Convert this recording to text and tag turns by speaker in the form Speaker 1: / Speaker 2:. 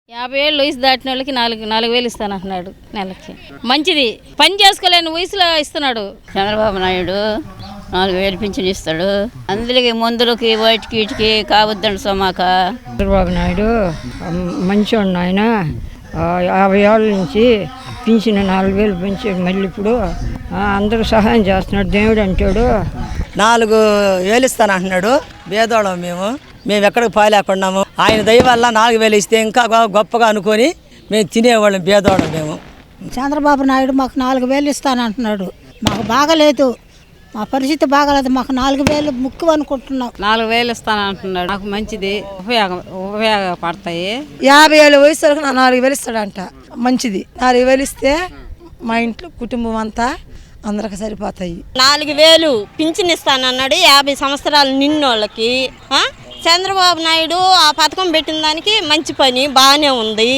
Speaker 1: 50 ఏళ్ళు వయసు దాటిన వాళ్ళకి 4,000 ఇస్తానంటున్నాడు నెలకి. మంచిది, పని చేసుకోలేని వయసులో ఇస్తున్నాడు.
Speaker 2: చంద్రబాబు నాయుడు 4,000 పింఛన్ ఇస్తాడు. అందరికి మందులకి వాటికి వీటికి కావద్దండి సోమాక.
Speaker 3: చంద్రబాబు నాయుడు మంచివాడు ఆయన. 50 ఏళ్ళ నుంచి పింఛన్ 4,000 పెంచాడు. మళ్ళీ ఇప్పుడు అందరూ సహాయం చేస్తున్నాడు. దేవుడు అంటాడు.
Speaker 4: 4,000 ఇస్తానంటున్నాడు. పేదోళం మేము ఎక్కడికి పోలేకున్నాము. ఆయన దయ వల్ల 4,000 ఇస్తే ఇంకా గొప్పగా అనుకొని మేము తినేవాళ్ళం. పేదోళం మేము.
Speaker 5: చంద్రబాబు నాయుడు మాకు 4,000 ఇస్తానంటున్నాడు. మాకు బాగలేదు, మా పరిస్థితి బాగలేదు. మాకు 4,000 ముఖ్యం అనుకుంటున్నాం.
Speaker 6: 4,000 ఇస్తానంటున్నాడు. నాకు మంచిది, ఉపయోగపడతాయి.
Speaker 7: 50 ఏళ్ళ వయసు వరకు 4,000 ఇస్తాడంట. మంచిది. 4,000 ఇస్తే మా ఇంట్లో కుటుంబం అంతా అందరికి సరిపోతాయి.
Speaker 8: 4,000 పింఛన్ ఇస్తానన్నాడు 50 సంవత్సరాలు నిన్నోళ్ళకి. చంద్రబాబు నాయుడు ఆ పథకం పెట్టిన దానికి మంచి పని బాగానే ఉంది.